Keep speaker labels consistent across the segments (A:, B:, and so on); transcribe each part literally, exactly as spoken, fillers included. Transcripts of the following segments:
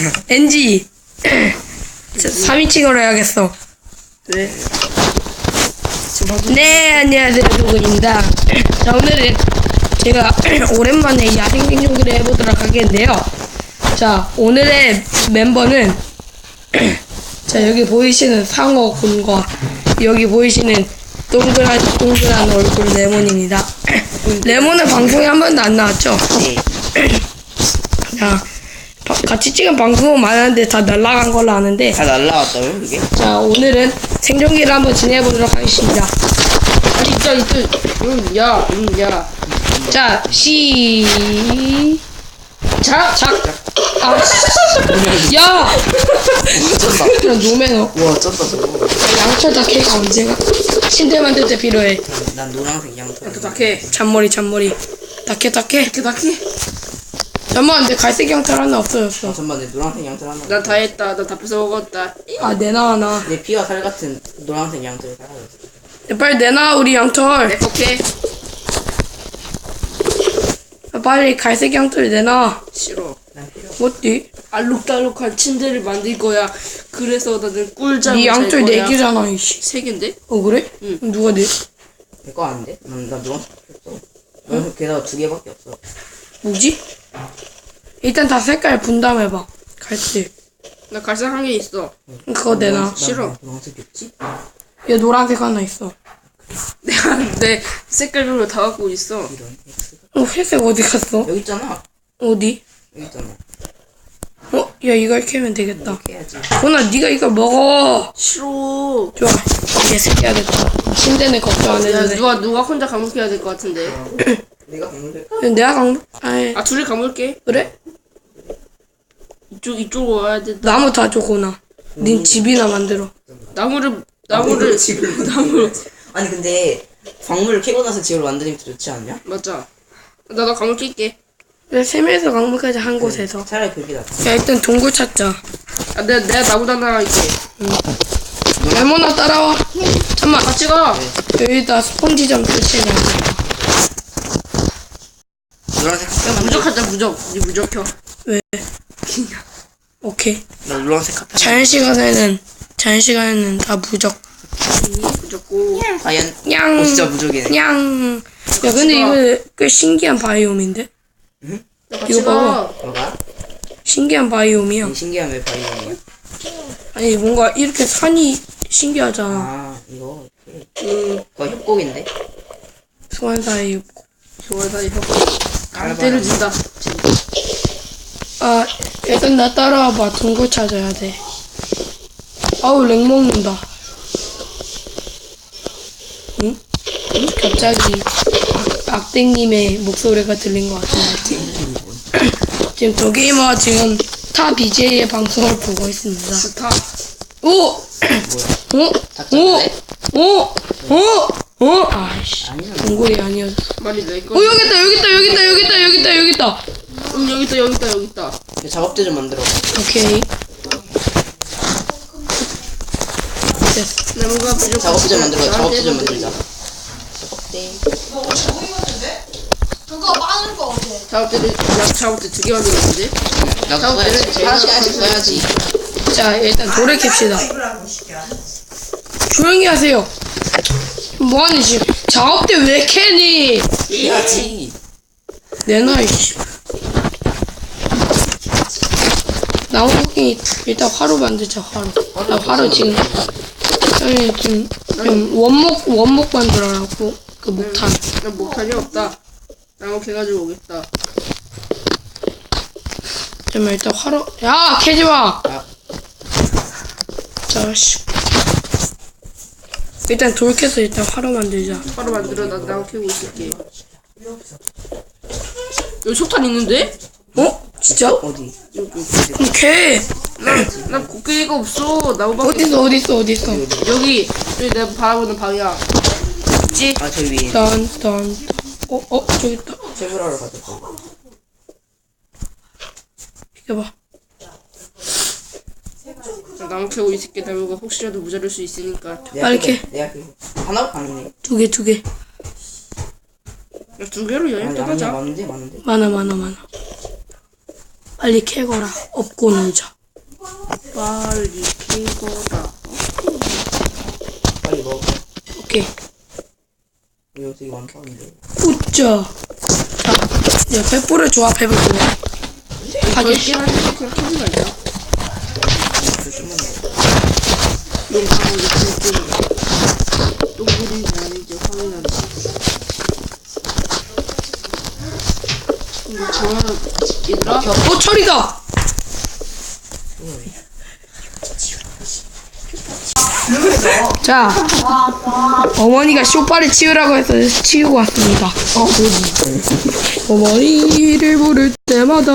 A: 엔지 삼 인칭으로 해야겠어.
B: 왜?
A: 네, 안녕하세요, 누구입니다. 자, 오늘은 제가 오랜만에 야생 생존기를 해보도록 하겠는데요. 자, 오늘의 멤버는 자, 여기 보이시는 상어 곰과 여기 보이시는 동그란 동그란 얼굴 레몬입니다. 레몬은 방송에 한 번도 안 나왔죠?
B: 네.
A: 자, 바, 같이 찍은 방송은 많았는데 다 날라간 걸로 아는데,
B: 다 날라왔다고요, 그게?
A: 자, 오늘은 생존기를 한번 진행해보도록 하겠습니다.
B: 아니, 진짜, 이거, 음, 야, 음, 야.
A: 자, 시, 자, 자, 아, 씨. 야!
B: 쩐다.
A: 그냥 노매너.
B: 우와, 쩐다, 저거.
A: 양철 다케가 언제가? 침대 만들 때 필요해.
B: 난 노란색 양털. 또 다케.
A: 잔머리, 잔머리. 다케, 다케.
B: 다케, 다케.
A: 잠깐만, 내 갈색 양털 하나 없어졌어.
B: 아, 잠깐만, 내 노란색 양털 하나.
C: 난 다 했다. 나 다 뺏어먹었다.
A: 아, 내놔, 하나.
B: 내 피와 살 같은 노란색 양털이 사라졌어.
A: 빨리 내놔, 우리 양털.
C: 오케이.
A: 빨리 갈색 양털 내놔.
C: 싫어.
B: 난 필요 없어.
A: 뭐지?
C: 알록달록한 침대를 만들 거야. 그래서 나는 꿀잠을
A: 네
C: 잘
A: 양털
C: 거야.
A: 네 개잖아, 이씨.
C: 세 개인데?
A: 어, 그래?
C: 응.
A: 그럼 누가 내?
B: 내거 아닌데? 난, 난 노란색 없어. 응? 게다가 두 개밖에 없어.
A: 뭐지? 일단 다 색깔 분담해봐. 갈색.
C: 나 갈색 한 개 있어.
A: 그거 내놔.
B: 난
C: 싫어.
B: 노란색이 없지?
A: 얘 노란색 하나 있어.
C: 내가 내 색깔별로 다 갖고 있어.
B: 이런 X가.
A: 어, 회색 어디 갔어?
B: 여기 있잖아.
A: 어디?
B: 여기 있잖아.
A: 어, 야, 이걸 캐면 되겠다.
B: 이렇게 해야지.
A: 보나, 네가 이걸 먹어.
C: 싫어.
A: 좋아. 이제 새끼야 됐다. 침대는 걱정 안
C: 야,
A: 해도 돼.
C: 누가 누가 혼자 감옥해야 될 것 같은데.
B: 내가 먹는데?
A: 내가 강, 아이,
C: 아, 둘이 감을게.
A: 그래?
C: 이쪽 이쪽으로 와야 돼.
A: 나무 다 줘고나. 닌 집이나 만들어.
C: 나무를 나무를
B: 집을
C: 나무를
B: 아니 근데 광물을 캐고 나서 집을 만드는 게 더 좋지 않냐?
C: 맞자. 나나 감을 낄게.
A: 왜 세면에서 강물까지 한 곳에서.
B: 차라리 그게 낫지.
A: 야, 일단 동굴 찾자.
C: 아, 내가 내가 나무 단나 할게.
A: 레몬아, 따라와. 잠깐만.
C: 같이 가.
A: 여기다 스펀지 좀 설치해놔.
B: 노란색 카페
C: 무적하자 무적. 니 무적혀.
A: 왜? 오케이.
B: 나 노란색 카페
A: 자연 시간에는 자연 시간에는 다 무적.
C: 무적고.
B: 과연
A: 냥.
B: 어 진짜 무적이네.
A: 냥. 야, 근데 이거 꽤 신기한 바이옴인데?
C: 나 같이
A: 이거 봐봐.
C: 가.
B: 뭐가?
A: 신기한 바이옴이야.
B: 이 신기한 왜 바이옴이야?
A: 아니, 뭔가 이렇게 산이 신기하잖아.
B: 아 이거
C: 음,
B: 그거 협곡인데?
A: 소환 사이.
C: 좋아 다 이거. 안 때려진다.
A: 아, 일단 나 따라와봐. 동굴 찾아야 돼. 아우, 렉 먹는다. 응? 갑자기 악, 악땡님의 목소리가 들린 것 같은데. 지금 더게이머가 지금 타 비제이의 방송을 보고 있습니다.
C: 스타.
A: 오! 어? 오!
B: 닥쳤네?
A: 오! 오! 어? 아이씨.
B: 아니야.
A: 동굴이 아니었어.
C: 말이 내 거.
A: 어, 여기 있다, 여기 있다, 여기 있다, 여기 있다, 여기 있다, 여기 있다.
C: 음 여기 있다 여기 있다 여기 있다.
B: 이거 작업대 좀 만들어.
A: 오케이. 됐어.
C: 나무가 부족.
B: 작업대 좀 만들어. 작업대 좀 만들자. 작업대.
D: 그거 많은 거 같아.
C: 작업대를 나 작업대 두 개 만들었는데.
B: 나도
C: 작업대를
B: 써야지.
C: 제일
B: 하나씩 하나씩
C: 먼저
B: 써야지.
A: 자, 일단 돌을 캡시다. 조용히 하세요. 뭐하니 지금? 작업대 왜 캐니?
B: 해야지.
A: 내놔 이씨. 나무 토끼 일단 화로 만들자. 화로. 나 화로 지금 아니 지금 좀 원목 원목 만들어라고 그 목탄.
C: 나 목탄이 없다. 나무 캐가지고 오겠다.
A: 잠깐만 일단 화로. 야 캐지 마.
B: 아.
A: 자식. 일단 돌 캐서 일단 화로 만들자.
C: 바로 만들어. 나 나무 캐고 있을게. 여기 석탄 있는데?
A: 어? 진짜?
B: 어디?
C: 여기 여기.
A: 그럼 캐.
C: 나나 곡괭이가 없어. 나무밖에.
A: 어딨어 어딨어 어딨어.
C: 여기 여기 내가 바라보는 방향. 있지?
B: 아 저 위에.
A: 딴, 딴. 어, 어, 저기 있다.
B: 채굴하러 가자.
A: 비켜봐.
C: 나 나무 캐고 있을게. 나무가 혹시라도 모자랄 수 있으니까.
A: 빨리 캐.
B: 내가 그 하나 아니네.
A: 두 개, 두 개.
C: 야, 두 개로 여행
B: 아니 아니야
C: 떠나자.
B: 많은데 많은데.
A: 많아, 많아, 많아. 빨리 캐거라. 업고 놀자.
C: 빨리 캐거라.
B: 빨리 먹어.
A: 오케이.
B: 이거 되게 많다는데.
A: 우짜. 자, 이제 횃불을 조합해볼게요. 하기.
C: 넓게 하는데 그냥 캐지 말자.
B: 조금만 먹어.
C: 용감하게 캐지. 똥물이 아닌지 확인한다. 이거 좋아. 얘들아.
A: 어, 철이다! 자, 어머니가 쇼파를 치우라고 해서 치우고 왔습니다. 어머니를 부를 때마다.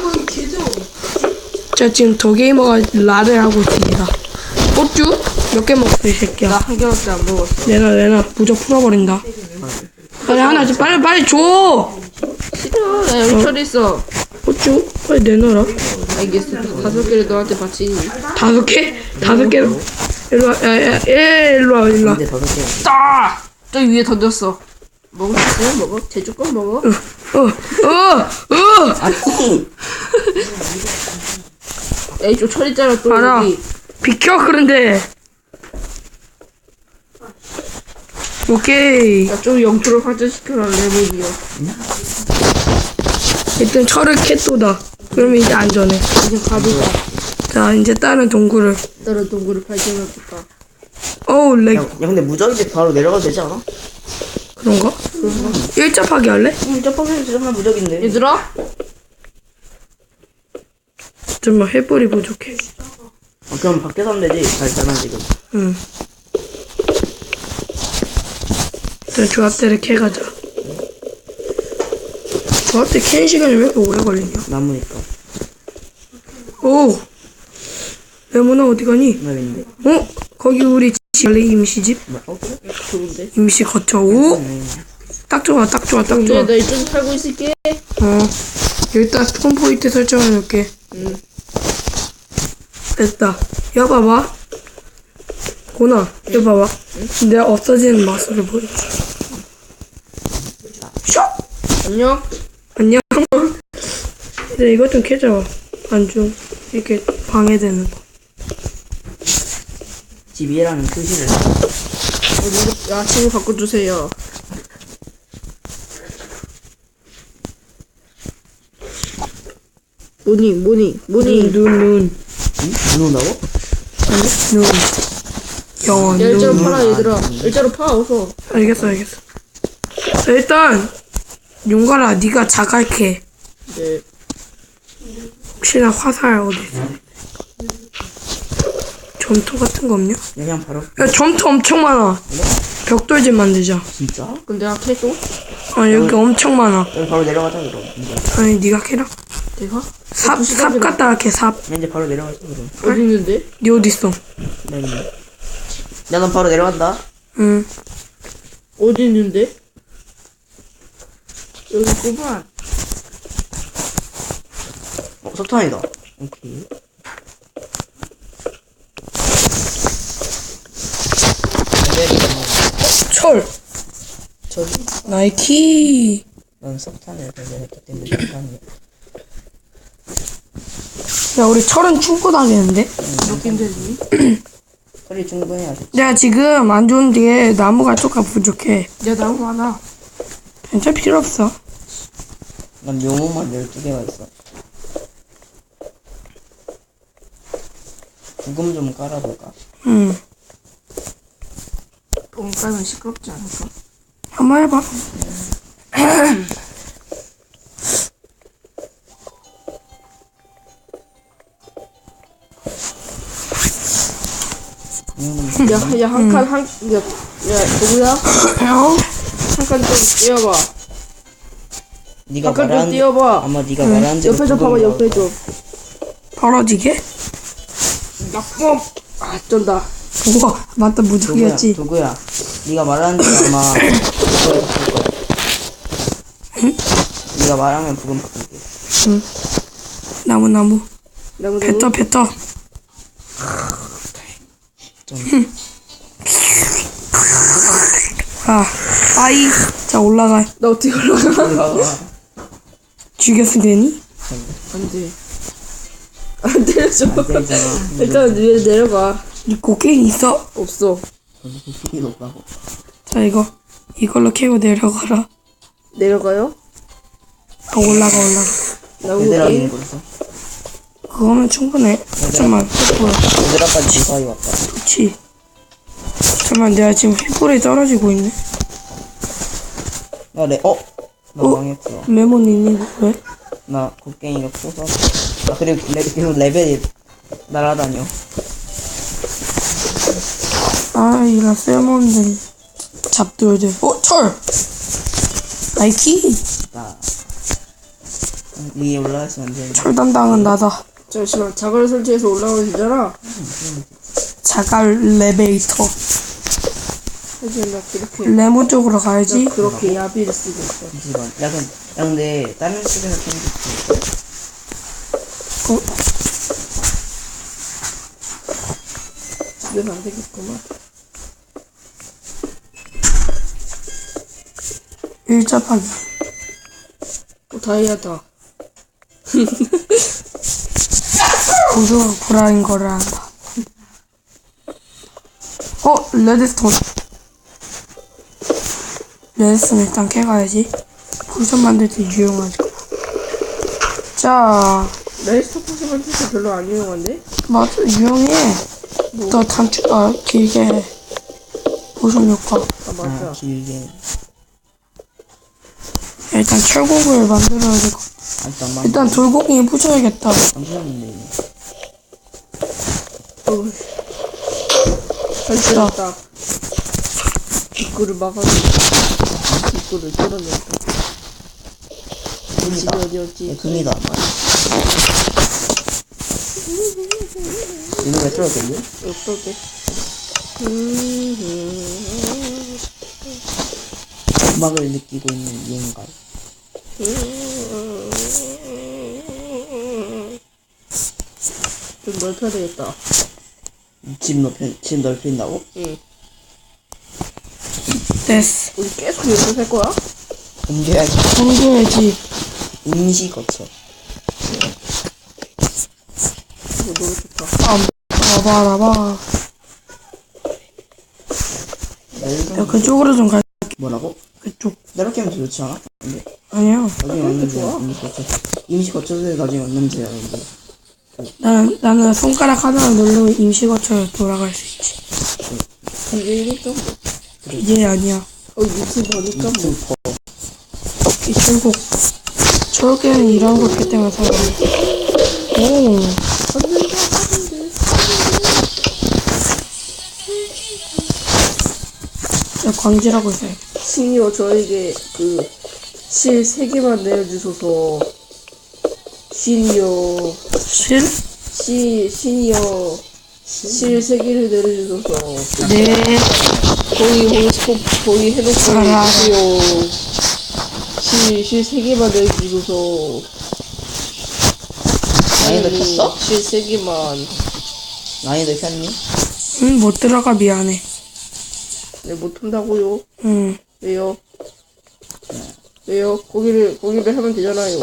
A: 자, 지금 더게이머가 라를 하고 있습니다. 꽃주? 몇 개 먹었어, 이 새끼야.
C: 나 한 개밖에 안 먹었어.
A: 내놔, 내놔. 무적 풀어버린다. 빨리 하나, 좀 빨리, 빨리 줘!
C: 싫어. 나 여기 철 있어.
A: 꽃주? 빨리 내놔라.
C: 알겠어. 다섯 개를 너한테 바치니.
A: 다섯 개? 다섯 개로. 일로 와, 야, 야, 야, 일로 와, 일로 와.
B: 근데 다섯 개.
C: 따! 저기 위에 던졌어. 먹을 수 있으면 먹어. 제주껏 먹어.
A: 어, 어, 어!
B: 아니.
C: 야, 이쪽 철 있잖아. 또
A: 알아.
C: 여기.
A: 비켜, 그런데. 오케이.
C: 야, 좀 영토를 확장시켜라. 레몬이요.
A: 일단 철을 캣도다. 그러면 이제 안전해.
C: 이제 가보자.
A: 자, 이제 다른 동굴을.
C: 다른 동굴을 발견해볼까.
A: 어우, 렉.
B: 야, 야 근데 무적인데 바로 내려가도 되지 않아?
A: 그런가? 일자파기 할래?
B: 응, 점프하면 정말 무적인데.
C: 얘들아?
A: 정말 횃불이 부족해.
B: 아, 그럼 밖에서 하면 되지. 잘잖아 지금.
A: 응. 일단 조합대를 캐가자. 조합대 캐는 시간이 왜 이렇게 오래 걸리냐?
B: 나무니까.
A: 오! 레몬아 어디 가니?
B: 나 있는데.
A: 어? 거기 우리 집 원래 임시집?
B: 뭐, 어 그래?
C: 좋은데?
A: 임시 거쳐. 오!
B: 네.
A: 딱 좋아, 딱 좋아, 딱
C: 근데
A: 좋아.
C: 나 이쪽 살고 있을게.
A: 어. 여기다 스폰 포인트 설정해 놓을게.
C: 응.
A: 됐다. 야, 봐봐. 고나, 야, 봐봐. 내가 없어지는 마술을 보여줄게. 쇼!
C: 안녕?
A: 안녕. 이제 이것 좀 캐줘. 안 좀, 이렇게 방해되는 거.
B: 집이라는 표시를.
C: 어디, 야, 친구 바꿔주세요. 뭐니, 뭐니, 뭐니.
A: 눈, 눈, 눈.
B: 응? 눈 온다고?
A: 눈. 영원,
C: 야, 일자로
A: 눈.
C: 팔아, 얘들아. 일자로 파, 어서.
A: 알겠어, 알겠어. 자, 일단, 용가라, 네가 자갈 캐.
C: 네.
A: 혹시나 화살 어디 있어? 점토 같은 거 없냐?
B: 그냥 바로.
A: 야, 점토 엄청 많아. 벽돌집 만들자.
B: 진짜?
C: 근데 아, 캐줘?
A: 아, 여기 엄청 많아.
B: 여기 바로 내려가자 그럼. 이제.
A: 아니, 네가 캐라.
C: 내가?
A: 삽, 삽 갖다가 캐, 삽.
B: 이제 바로 내려가자 그럼.
C: 어디 있는데?
A: 네 어디 있어?
B: 나 있네. 야넌 바로 내려간다.
A: 응.
C: 어디 있는데? 여기 있구만.
B: 어 석탄이다. 오케이.
A: 철.
B: 저기
A: 나이키.
B: 난 석탄을 발견했기 때문에 석탄이.
A: 야, 우리 철은 충분하겠는데?
C: 이렇게 힘들니?
B: 소리 충분해야 돼.
A: 내가 지금 안 좋은 뒤에 나무가 조금 부족해.
C: 야, 나무 많아.
A: 괜찮 필요 없어.
B: 난 묘목만 열두 개가 있어. 부금 좀 깔아볼까?
A: 응.
C: 뻥 까면 시끄럽지 않을까?
A: 한번 해봐.
B: 부금은
C: 야, 야, 한 칸, 한, 야, 야, 누구야?
A: 어?
C: 한 칸 좀 띄워봐.
B: 네가
C: 한 칸 좀
B: 말한
C: 띄워봐.
B: 아마 네가 말한 대로
C: 옆에 좀 봐봐,
B: 부금이
C: 옆에
B: 나올
C: 좀.
A: 벌어지게?
C: 나쁨! 아, 쩐다.
A: 우와, 맞다,
B: 도구야,
A: 무적이었지.
B: 도구야. 네가 말하는 대로 아마 그거에서 쓸 거야.
A: 응?
B: 네가 말하면 부금 바꿀게.
A: 응. 나무, 나무.
C: 나무,
A: 뱉어,
C: 나무.
A: 뱉어.
B: 좀
A: 아, 아이. 자, 올라가.
C: 나 어떻게 올라가?
B: 올라가.
A: 죽였으면 되니?
C: 안 돼. 안 때려줘.
B: 안 되잖아.
C: 일단 위에 내려가.
A: 이 곡괭이 있어?
C: 없어.
B: 저도 필이 높다고.
A: 자, 이거 이걸로 캐고 내려가라.
C: 내려가요?
A: 아, 올라가 올라가.
B: 얘들아
C: 나무게.
B: 있는 거 있어?
A: 그거면 충분해. 잠깐만, 횃불.
B: 얘들아까지 지사이 왔다.
A: 좋지. 잠깐만, 내가 지금 횃불에 떨어지고 있네.
B: 나 레, 어? 나
A: 어?
B: 망했어.
A: 레몬 있니? 왜?
B: 나 곡괭이가 커서. 아, 그리고 레, 계속 레벨이 날아다녀.
A: 아, 이런 쓸모없는 잡돌들. 어, 철! 나이키!
B: 나. 위에 올라가시면 안 되는데.
A: 철 담당은 나다.
C: 잠시만, 자갈 설치해서 올라가면 되잖아.
A: 자갈 레베이터.
C: 하지만 나 그렇게,
A: 레몬 쪽으로 가야지.
C: 나 그렇게 야비를 쓰고 있어.
B: 잠시만. 야, 그럼, 야, 근데, 다른 쪽에서 좀
A: 어,
C: 집에서 안 되겠구만.
A: 일자파기.
C: 어, 다이아다.
A: 고소가 불안인 거를 한다. 어, 레드스톤. 레드스톤 일단 캐가야지. 포션 만들 때 유용하지. 자,
C: 레이스터 포션 만들 때 별로 안 유용한데?
A: 맞아, 유용해. 더 단축, 아, 길게 해. 포션 효과.
C: 아,
B: 아,
C: 맞아.
B: 길게.
A: 일단 철곡을 만들어야 되고.
B: 아, 잠깐만.
A: 일단 돌고기 부셔야겠다.
B: 안 부셨는데.
C: 어우. 설치했다. 입구를 막아줘. 입구를 뚫어낸다. 집이
B: 금이다.
C: 어디였지?
B: 예, 금이다. 이거 왜 뚫었겠니?
C: 어떨게?
B: 음악을 느끼고 있는 이행가.
C: 좀 넓혀야 되겠다.
B: 집 넓힌, 집 넓힌다고?
C: 응.
A: 됐어.
C: 우리 계속 여기서 살 거야?
B: 옮겨야지.
A: 옮겨야지.
B: 임시 거쳐.
C: 이거 너무 좋다.
A: 아, 봐봐, 야, 그쪽으로 좀 갈.
B: 뭐라고?
A: 그쪽.
B: 이렇게 하면 더 좋지 않아? 근데
A: 아니야.
B: 나중에 왔는데 임시 거쳐. 임시 거쳐서 나중에 왔는데 근데
A: 나는, 나는 손가락 하나를 누르면 임시거처럼 돌아갈 수 있지.
C: 이게 이거 좀.
A: 이게 아니야.
C: 어, 유튜브 보니까 뭐.
B: 유튜버.
A: 이 철곡. 철곡에는 이런 거 있기 때문에 사람. 오. 자, 광질하고 있어요.
C: 신이요, 저에게 그, 실 세 개만 내어주소서. 신이요.
A: 실?
C: 시, 신이요. 실 세 개를 내려주소서.
A: 네.
C: 거기, 거기, 스톱, 거기 해놓고
A: 알아, 알아.
C: 있지요. 실, 실 세 개만 내어주소서.
B: 난이도 켰어?
C: 실 세 개만.
B: 난이도 켰니?
A: 응, 못 들어가, 미안해.
C: 네, 못한다고요.
A: 응.
C: 왜요? 왜요? 거기를, 거기를 하면 되잖아요.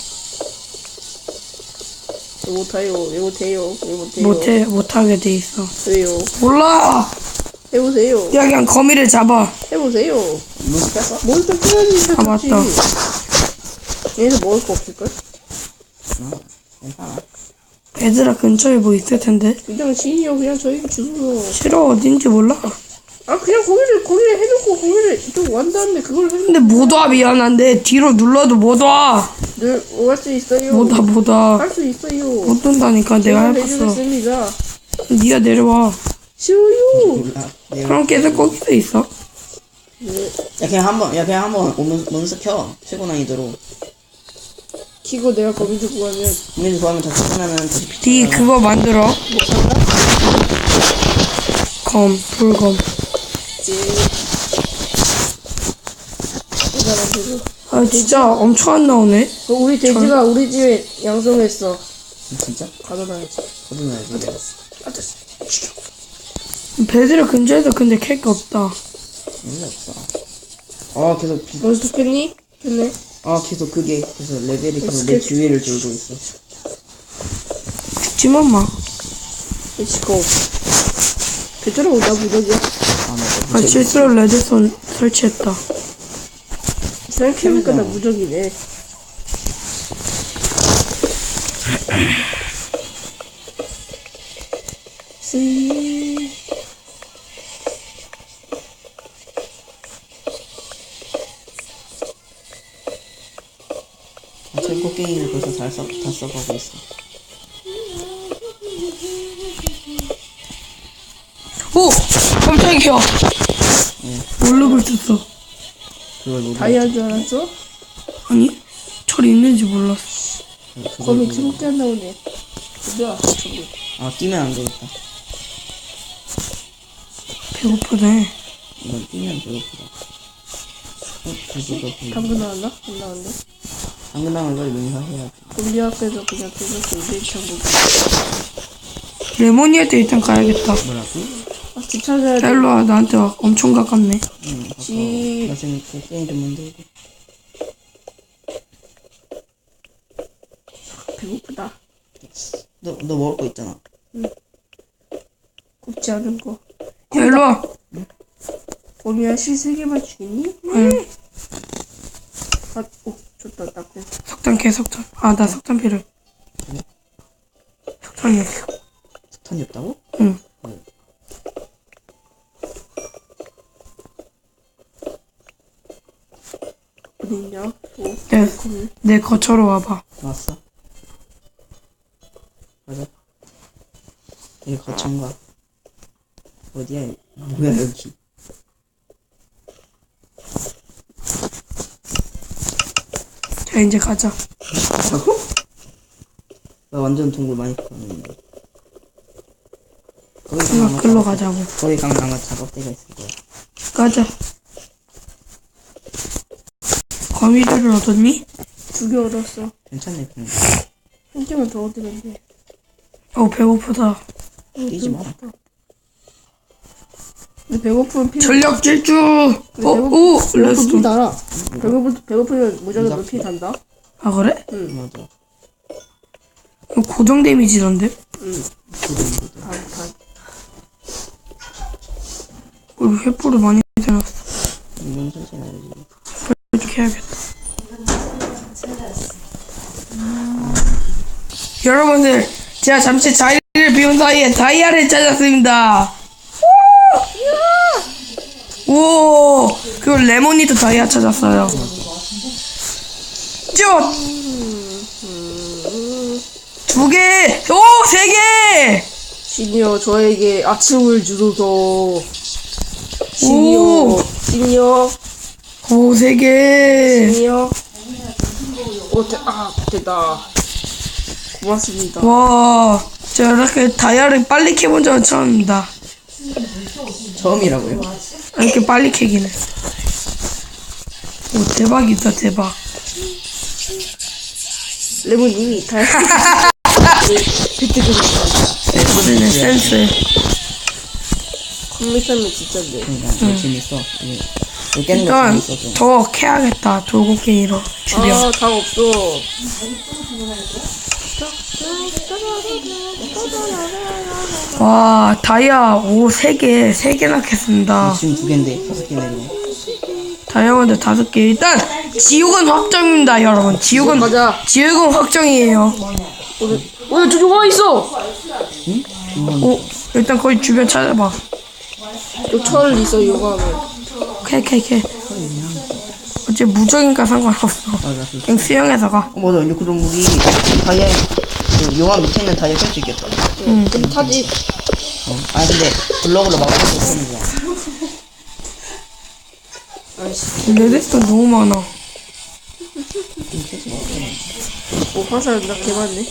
C: 왜 못해요? 왜 못해요? 왜 못해요?
A: 못해, 못하게 돼 있어.
C: 왜요?
A: 몰라!
C: 해보세요.
A: 야, 그냥 거미를 잡아.
C: 해보세요.
B: 몬스 켰어?
C: 몬스터 켜야지.
A: 아, 맞다.
C: 얘네서 먹을 거 없을걸?
B: 어, 괜찮아.
A: 얘들아, 근처에 뭐 있을 텐데.
C: 그냥 지인이요. 그냥 저에게 주소서.
A: 싫어, 어딘지 몰라.
C: 아, 그냥 거기를, 거기를 해놓고 거기를 이쪽 완 다음에 그걸 해놓고
A: 근데 못 와, 미안한데. 뒤로 눌러도 못 와.
C: 늘 오갈 수 있어요.
A: 못 와, 못 와.
C: 할 수 있어요.
A: 못 온다니까, 내가 해봤어.
C: 해주겠습니다.
A: 니가 내려와.
C: 싫어요.
B: 몰라. 내가-
A: 그럼 계속 거기서 있어.
C: 네.
B: 야 그냥 한번 야 그냥 한번 몬- 몬스 켜. 최고 난이도로.
C: 키고 내가 거기 두고 가면
B: 국민이 좋아하면 다시 끝나면 다시 피.
A: 니 그거 만들어.
C: 못한다?
A: 검, 불검.
C: 이제 대단한 거.
A: 아, 진짜 엄청 안 나오네.
C: 어, 우리 돼지가 우리 집에 양성했어.
B: 진짜?
C: 가둬놔야지.
B: 거듭나야지. 내가.
C: 아, 됐어.
A: 배들 근처에도 근데 캘 게 없다.
B: 의미 없어. 아 계속 비,
C: 몬스터 켰니? 켰네.
B: 아 계속 그게 그래서 레벨이 계속 내
C: 스케치.
B: 주위를 돌고 있어.
A: 죽지만 마.
C: 렛츠고. 배터리가 나 무적이야.
B: 아, 나
A: 아, 실수로 레드손 설치했다.
C: 생각해보니까 나 무적이네. 쓰이.
B: 제 곡괭이를 벌써 잘 써, 다 써가고 있어.
A: 오! 깜짝이야. 모르고 있었어.
B: 그걸 모두.
C: 다이아인 줄 알았어?
A: 아니, 철 있는지 몰랐어.
C: 거미 트롭게 안 나오네. 뭐야, 저기.
B: 아, 뛰면 안 되겠다.
A: 배고프네.
B: 이건 뛰면 배고프다. 어, 그거 그거.
C: 방금 나왔나? 안 나왔네.
B: 당근 당을 빨리 명사해야지.
C: 우리 앞에서 그냥 빼놓고 이벤트한 거지.
A: 레모니한테 일단 가야겠다.
B: 뭐라고?
C: 아, 집 찾아야 돼.
A: 자, 일로 와. 나한테 와. 엄청 가깝네.
B: 응,
C: 집.
B: 나 지금 곡괭이 좀 만들고.
C: 배고프다.
B: 너, 너 먹을 거 있잖아.
C: 굽지 않은 거.
A: 야, 일로 와.
C: 거미야, 실 세 개만 주겠니?
A: 응.
C: 아, 오, 좋다, 딱고.
A: 석탄, 개 석탄. 아, 나 석탄 필요해. 석탄이 없어.
B: 석탄이 없다고?
A: 응.
C: 어딨냐? 오,
A: 네,
C: 거미.
A: 내 거처로 와봐.
B: 왔어. 가자. 여기 거창가. 어디야? 여기? 뭐야 여기?
A: 자, 이제 가자.
B: 자고? 나 완전 동굴 많이 파는데. 거기 가면
A: 이거
B: 아마
A: 글로
B: 작업-
A: 가자고.
B: 거기 가면 아마 작업대가 있을 거야.
A: 가자. 거미줄을 얻었니?
C: 두 개 얻었어.
B: 괜찮네 그냥.
C: 한 개만 더 얻으면 돼.
A: 어, 배고프다.
B: 뛰지 마라.
C: 근데 배고프면 피.
A: 전력 질주! 어, 오!
C: 배고프 피
A: 레스톤.
C: 달아. 배고프, 배고프면 무조건 피 단다.
A: 아, 그래?
B: 맞아.
A: 이거 고정 데미지던데?
C: 응.
B: 고등고등.
C: 반, 반.
A: 우리 횃불을 많이 대놨어.
B: 이건 천천히 알지.
A: 이렇게 해야겠다. 여러분들, 제가 잠시 자리를 비운 사이에 다이아를 찾았습니다. 오! 그리고 레모니도 다이아 찾았어요. 쭉! 두 개! 오! 세 개!
C: 시니어, 저에게 아침을 주소서.
A: 오!
C: 시니어, 시니어,
A: 오, 세 개!
C: 시니어. 오, 대, 아, 됐다. 고맙습니다.
A: 와, 제가 이렇게 다이아를 빨리 캐본 적은 처음입니다.
B: 처음이라고요?
A: 이렇게 빨리 캐기는. 오, 대박이다, 대박.
C: 레몬님이 다 비트고
A: 센스네, 센스.
C: 컴퓨터면 진짜인데.
B: 그러니까 응. 재밌어. 이게 이거 깨는 거
A: 일단,
B: 재밌어 좀.
A: 더 캐야겠다, 돌고갱이로. 주변.
C: 아, 다 없어.
A: 와, 다이아, 오, 세 개, 세 개나 캤습니다.
B: 지금 두 개인데 다섯 개 내고.
A: 다이아몬드 다섯 개. 일단, 지옥은 확정입니다, 여러분. 지옥은,
C: 가자.
A: 지옥은 확정이에요.
C: 오늘, 오늘 저기 와 있어.
B: 응? 이건
A: 오, 일단 거기 주변 찾아봐.
C: 요철 있어 요가하면.
A: 캐, 캐, 캐. 어째 무적인가 상관없어.
B: 맞아. 그.
A: 그냥 수영해서 가.
B: 어, 맞아. 근데 그럼 우리 다이아 그 용암 밑에 있는 다이아 깰 수 있겠다.
C: 응. 근데 타지.
B: 어. 아 근데 블럭으로 막아서 못하는 거야.
C: 아이씨.
A: 레드스톤 너무 많아.
C: 오 화살 나 개많네.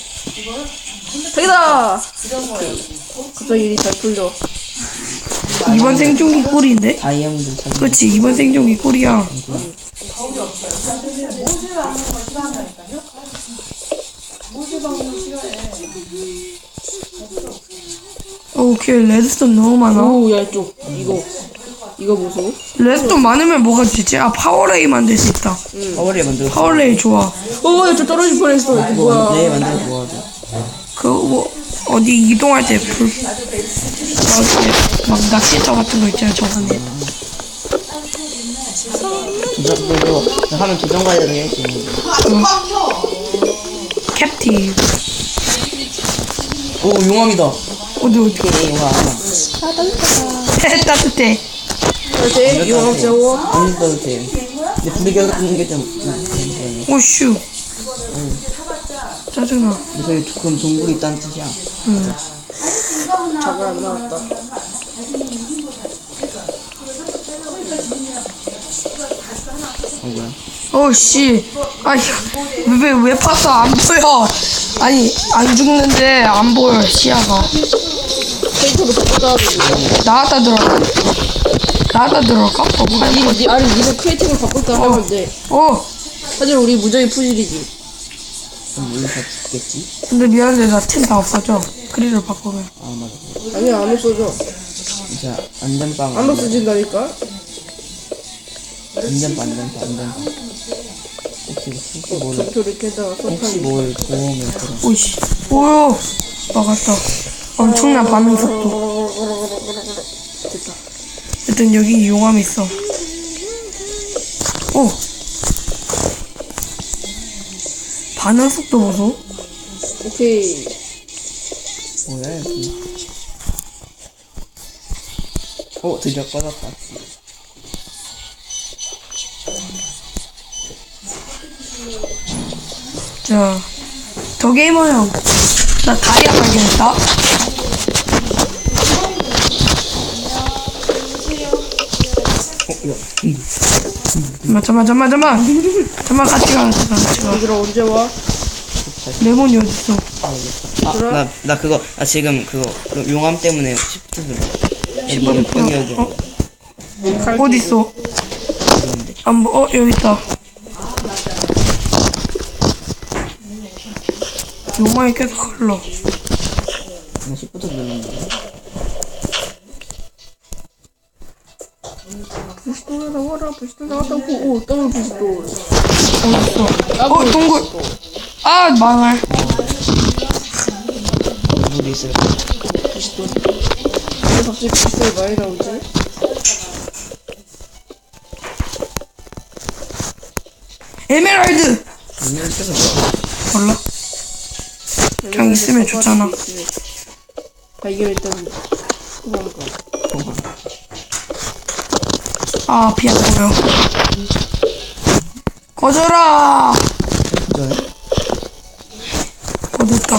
C: 자기다. 갑자기 일이 잘 풀려.
A: 이번 생존기 꿀인데?
B: 다이아몬드 찾는.
A: 그렇지, 이번 생존기 꿀이야. 오, 오케이, 레드스톤 너무 많아.
C: 오야 이쪽 이거 이거 보소.
A: 레드스톤 많으면 뭐가 되지? 아, 파워레이 만들 수 있다.
B: 파워레이 만들어.
A: 파워레이 좋아.
C: 오야 저 떨어질 뻔했어. 이거
B: 뭐, 네
C: 뭐야?
B: 만들어 모아줘.
A: 그, 뭐, 어디 이동할 때 불, 막, 이렇게 막 낚시터 같은 거 있잖아요, 저번에.
B: 도전, 그거 하면 도전 과제도 할 수 있는데.
A: 캡틴.
B: 오, 용암이다.
A: 어디, 어디.
B: 오케이, 용암.
A: 따뜻해.
C: 어때? 이거 저거?
B: 안 써도 돼. 근데 불이 계속 끄는 게 좀, 음,
A: 오슈. 짜증나.
B: 근데 저기 그럼 동굴이 있다는 뜻이야.
A: 응.
C: 저거 안 나왔다.
B: 어, 뭐야?
A: 오씨. 아니, 왜, 왜 봤어? 안 보여. 아니, 안 죽는데 안 보여, 시야가.
C: 페이커도 바꿔야 돼.
A: 나갔다 들어가. 나갔다 들어갈까? 어,
C: 니, 니, 니, 아니, 니가 크리에이티브 바꿀 때 하면 돼.
A: 어,
C: 하지만 우리 무적이 푸질이지.
B: 그럼 우리 다 죽겠지?
A: 근데 미안한데 나 템 다 없어져. 크리를 바꾸면.
B: 아, 맞아.
C: 아니야, 안 없어져.
B: 진짜, 안전빵.
C: 안 없어진다니까?
B: 안전빵, 안전빵, 안전빵. 혹시, 혹시 뭘,
C: 전투를 깨다가
B: 혹시
C: 석탄이.
B: 뭘 도움을 그런.
A: 오이씨. 오요. 막았다. 엄청난 반응 속도.
C: 됐다.
A: 일단 여기 용암 있어. 오. 반응 속도 보소.
C: 오케이.
B: 뭐야, 여기. 어, 드디어 꺼졌다.
A: 자, 더 게이머 형. 나 다이아 발견했다.
B: 어, 야,
A: 잠만, 잠만, 잠만, 잠만. 잠만 같이 가, 같이 가, 같이 가.
C: 얘들아, 언제 와?
A: 레몬이 어딨어?
B: 아, 나, 나 그거, 나 지금 그거, 그 용암 때문에 시프트 눌러. 여기, 여기, 여기.
A: 어? 어딨어? 안 보, 어, 여기 있다. 용암이 계속 흘러.
B: 나 시프트 누르는데.
C: 부시도 나와라, 부시도 나왔다고. 오, 더블 부시도.
A: 어딨어? 어, 동굴. 아, 망할.
B: 물이 있을
C: 부시도. 왜 갑자기 부시도에 많이 나오지?
A: 에메랄드!
B: 물이 있어서 뭐야?
A: 몰라. 그냥 있으면 좋잖아.
C: 아, 이게 일단, 그만 거.
A: 아, 비 안 보여. 꺼져라!
B: 그전에?
A: 어, 됐다.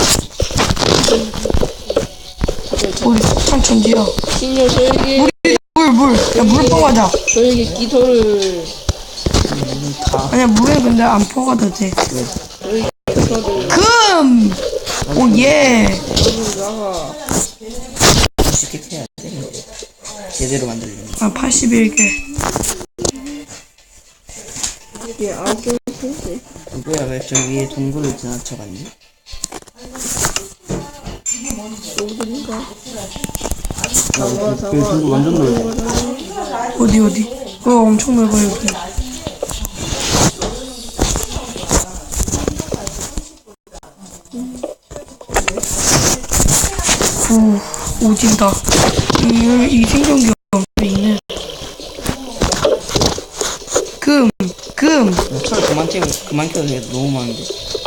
A: 우리 산천지야.
C: 신녀, 저에게,
A: 물, 물. 야, 물 퍼가자.
C: 저에게 기토를,
B: 다.
A: 아니야, 물에 근데 안 퍼가도 돼.
C: 저에게 기토를,
A: 금! 오, 예.
C: 여기 나가.
B: 쉽게 해야 돼. 제대로 만들려면.
A: 아, 팔십일 개.
C: 이게 아홉 개를 펴지.
B: 누구야, 왜 저 위에 동굴을 지나쳐갔니?
C: 동굴인가?
B: 야,
C: 잡아,
B: 그,
C: 잡아.
B: 그 동굴 완전 넓어.
A: 어디, 어디? 어, 엄청 넓어, 여기. 오, 오진다. 이, 이 생존기 엄청 있네. 금, 금.
B: 야, 철 그만 채고, 그만 켜도 돼. 너무 많은데.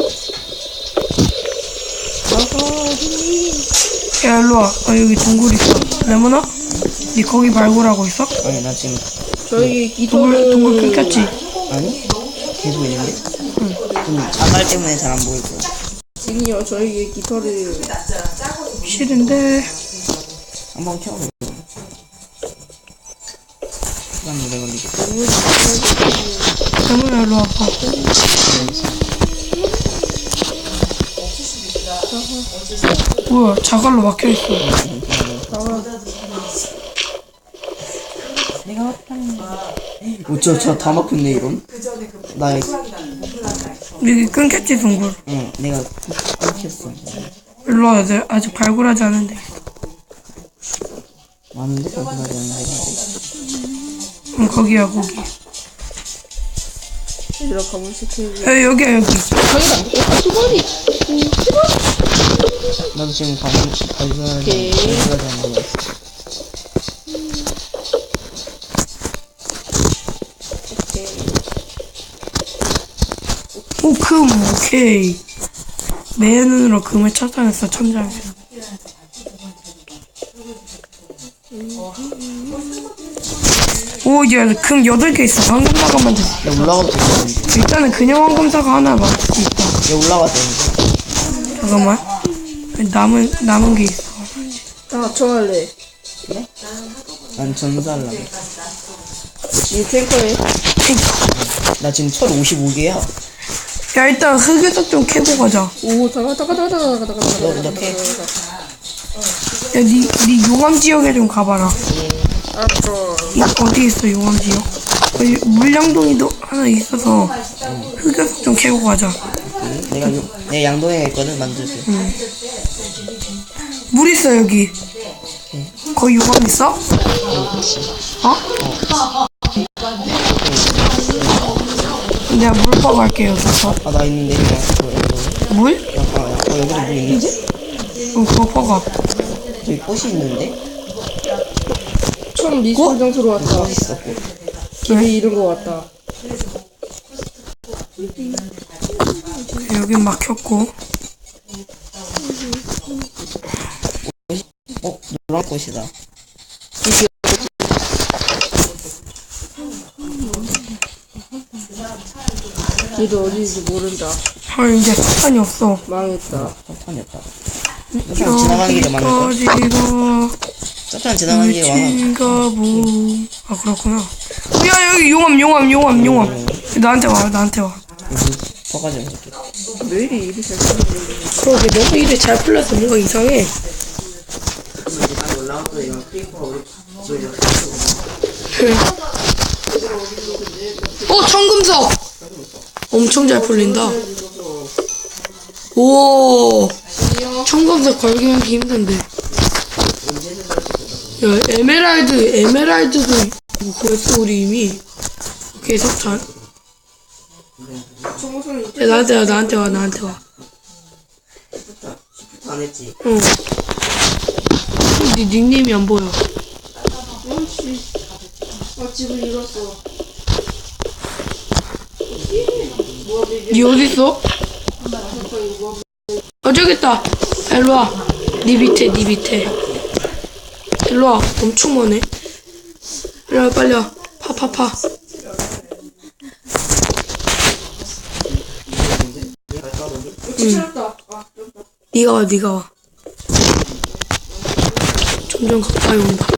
A: 야, 일로와. 아, 여기 동굴 있어. 레몬아? 니 거기 발굴하고 있어?
B: 아니, 나 지금,
C: 저에게
A: 동굴,
C: 기토를.
A: 동굴 끊겼지?
B: 아니? 계속 있는데? 좀 자갈 때문에 잘 안 보일 거야.
C: 신녀, 저에게 기토를.
A: 싫은데.
B: 한번 켜보자. 시간 오래 걸리겠다.
A: 레몬아, 일로 와봐. 뭐야, 자갈로 막혀있어.
B: 내가 왔다. 어, 저, 저 다 막혔네, 이런. 나,
A: 여기 끊겼지, 동굴.
B: 응, 내가 끊겼어.
A: 일로 와야 돼. 아직 발굴하지 않은데.
B: 많은데? 발굴하지 않는 데가.
A: 응, 거기야, 거기.
C: 얘들아, 가물 시키고.
A: 야, 여기야, 여기.
C: 저기다. 아, 두 번이. 두 번?
B: 나도 지금 발견 발견하지
C: 오케이.
B: 발견하지 않는 거 있어.
C: 오케이.
A: 오, 금, 오케이. 내 눈으로 금을 찾아냈어, 천장에서. 오, 야, 금 여덟 개 있어. 황금사과만 됐어.
B: 야 올라가도 되겠는데.
A: 일단은 그냥 황금사과 하나 맞을 수 있다.
B: 야 올라가도 되는데.
A: 잠깐만. 남은, 남은 게 있어.
C: 아, 저 할래.
B: 난 전사하려고.
C: 이 탱커에.
B: 나 지금 철 오십오 개야.
A: 야, 일단 흑요석 좀 캐고 가자.
C: 오, 다가, 다가, 다가, 다가, 다가, 다가,
B: 너
C: 다가,
B: 이렇게.
A: 야, 니, 니 용암 지역에 좀 가봐라.
C: 알았어.
A: 이, 어디 있어, 용암 지역? 여기 물량동이도 하나 있어서 흑요석 좀 캐고 가자.
B: 응? 내가 요, 내 양동이가 있거든 만들게.
A: 물 있어, 여기. 거기 용암 있어? 어? 내가 물 퍼갈게, 여기서.
B: 아 나 있는데 이거 이거 이거.
A: 물?
B: 야, 아, 야, 어, 여기도 물 있는데?
A: 응, 그거 퍼가.
B: 저기 꽃이 있는데?
C: 처음 리스폰 장소로 왔다.
B: 꽃이 있어 꽃.
C: 길이 잃은 거 같다.
A: 여긴 막혔고.
B: 어 노란 꽃이다.
C: 길이 어디인지 모른다.
A: 아, 이제 석탄이 없어.
C: 망했다.
B: 석탄이었다. 석탄 지나가는 길에 많을 걸.
A: 여기까지가
B: 석탄 지나가는 길에 많아.
A: 물친가 보. 아, 그렇구나. 어, 야, 여기 용암, 용암, 용암, 용암. 나한테 와, 나한테 와.
B: 퍼가지고 이렇게.
C: 왜 이리 일이 잘 풀리는
A: 그러게, 너무 일이 잘 풀려서 뭔가 이상해. 어, 청금석! 엄청 잘 풀린다. 오, 청금석 걸기하기 힘든데. 야, 에메랄드, 에메랄드도 구했어, 우리 이미. 오케이, 석탄. 야, 나한테 와, 나한테 와, 나한테 와.
B: 안 했지.
A: 응. 네 닉네임이 안 보여.
C: 아, 집을 잃었어.
A: 니 어딨어? 어, 저기 있다. 일로와. 니 밑에, 니 밑에. 일로와. 엄청 많네. 일로와, 빨리 와. 파, 파, 파.
C: 찾았다. 아,
A: 니가 와, 니가 와. 점점 가까이 온다.